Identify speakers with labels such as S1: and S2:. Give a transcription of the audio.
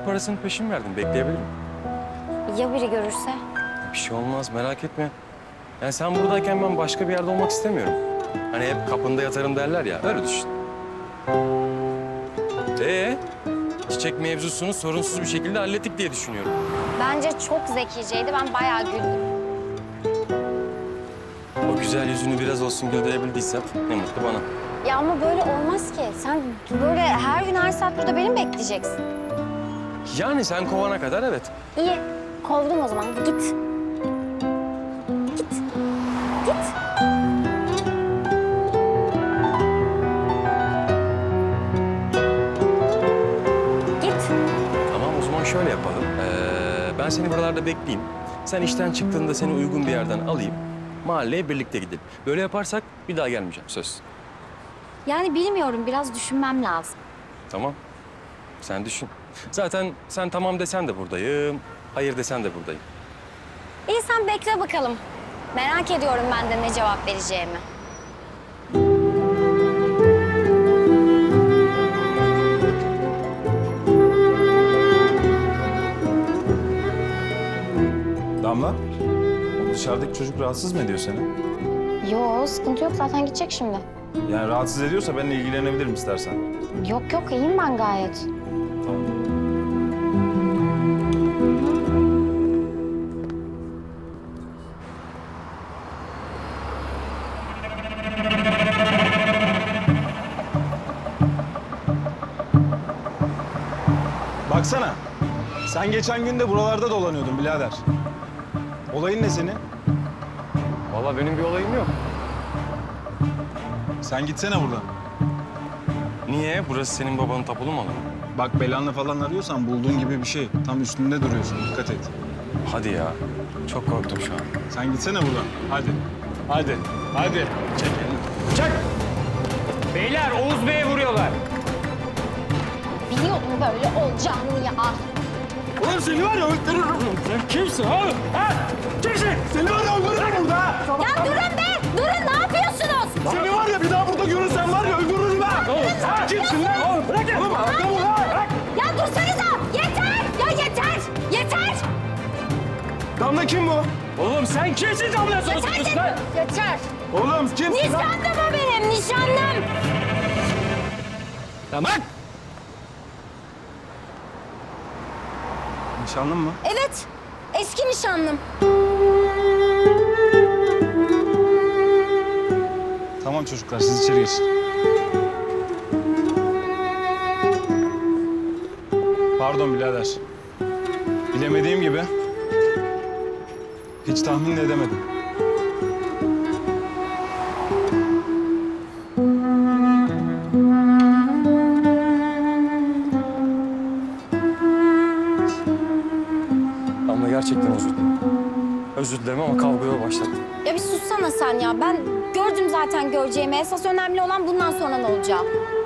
S1: bilet parasını peşin verdim. Bekleyebilirim.
S2: Ya biri görürse?
S1: Bir şey olmaz, merak etme. Yani sen buradayken ben başka bir yerde olmak istemiyorum. Hani hep kapında yatarım derler ya, öyle düşün. Çiçek mevzusunu sorunsuz bir şekilde hallettik diye düşünüyorum.
S2: Bence çok zekiceydi. Ben bayağı güldüm.
S1: O güzel yüzünü biraz olsun güldürebildiysem ne mutlu bana.
S2: Ya ama böyle olmaz ki. Sen böyle her gün her saat burada beni mi bekleyeceksin?
S1: Yani sen kovana kadar evet.
S2: İyi. Kovdum o zaman. Git. Git. Git. Git.
S1: Tamam o zaman şöyle yapalım. Ben seni buralarda bekleyeyim. Sen işten çıktığında seni uygun bir yerden alayım. Mahalleye birlikte gidelim. Böyle yaparsak bir daha gelmeyeceğim söz.
S2: Yani bilmiyorum. Biraz düşünmem lazım.
S1: Tamam. Sen düşün. Zaten sen tamam desen de buradayım. Hayır desen de buradayım.
S2: İyi sen bekle bakalım. Merak ediyorum ben de ne cevap vereceğimi.
S3: Damla, o dışarıdaki çocuk rahatsız mı ediyor seni?
S2: Yo sıkıntı yok zaten gidecek şimdi.
S3: Yani rahatsız ediyorsa benimle ilgilenebilirim istersen.
S2: Yok yok iyiyim ben gayet.
S3: Tamam. Baksana, sen geçen gün de buralarda dolanıyordun birader. Olayın ne senin?
S1: Vallahi benim bir olayım yok.
S3: Sen gitsene buradan.
S1: Niye? Burası senin babanın tapulu mu alanı?
S3: Bak belanla falan arıyorsan bulduğun gibi bir şey. Tam üstünde duruyorsun, dikkat et.
S1: Hadi ya. Çok korktum şu an.
S3: Sen gitsene buradan, hadi. Hadi, hadi. Çek elini. Çek!
S4: Beyler Oğuz Bey'e vuruyorlar.
S2: Biliyordum böyle olacağını ya.
S3: Oğlum seni var ya öldürürüm.
S4: Sen kimsin oğlum? Ha? Kimsin?
S3: Seni var ya öldürürüm burada.
S2: Ya durun be! Durun ne yapıyorsunuz?
S3: Seni var ya bir daha burada görürsem var ya öldürürüm ha. Sen kimsin lan?
S4: Oğlum bırak ya.
S3: Oğlum arkamı lan. Bırak.
S2: Ya dursanıza! Yeter! Ya yeter! Yeter!
S3: Damla kim bu?
S4: Oğlum sen kimsin damla
S2: Yeter
S4: sonuçta
S2: dedim!
S4: lan?
S2: Yeter!
S3: Oğlum kimsin lan?
S2: Nişanlım o benim, nişanlım!
S4: Tamam.
S3: Nişanlın mı?
S2: Evet, eski nişanlım.
S3: Tamam çocuklar siz içeri geçin. Pardon birader. Bilemediğim gibi hiç tahmin de edemedim.
S1: Ama gerçekten özür dilerim. Özür dilerim ama kavgaya başlattım.
S2: Ya bir sussana sen ya. Ben gördüm zaten göreceğimi. Esas önemli olan bundan sonra ne olacağı.